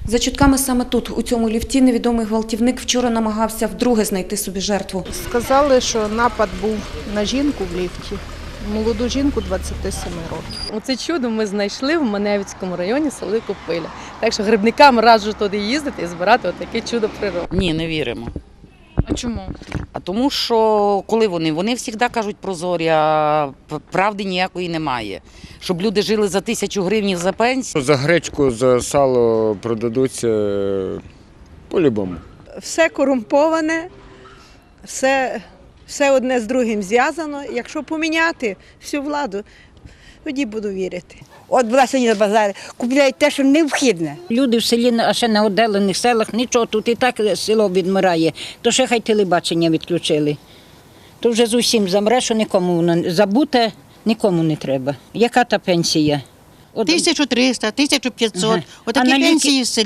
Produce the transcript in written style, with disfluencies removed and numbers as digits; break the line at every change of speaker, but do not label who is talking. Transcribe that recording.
За чутками саме тут, у цьому ліфті, невідомий гвалтівник вчора намагався вдруге знайти собі жертву.
Сказали, що напад був на жінку в ліфті, молоду жінку 27 років.
Оце чудо ми знайшли в Маневицькому районі сели Копиля. Так що грибникам раджу туди їздити і збирати отаке чудо природи.
Ні, не віримо.
А чому?
А тому що коли вони завжди кажуть прозорі, а правди ніякої немає. Щоб люди жили за 1000 гривень за пенсію.
За гречку, за сало продадуться по-любому.
Все корумповане, все одне з другим зв'язано. Якщо поміняти всю владу, тоді буду вірити.
От була сьогодні на базарі, купляють те, що необхідне.
Люди в селі, а ще на віддалених селах, нічого, тут і так село відмирає, то ще хай телебачення відключили. То вже з усім замре, що нікому воно забуте, нікому не треба. Яка та пенсія?
1300, 1500,
Ага.
отакі
А на ліки?
пенсії в селі.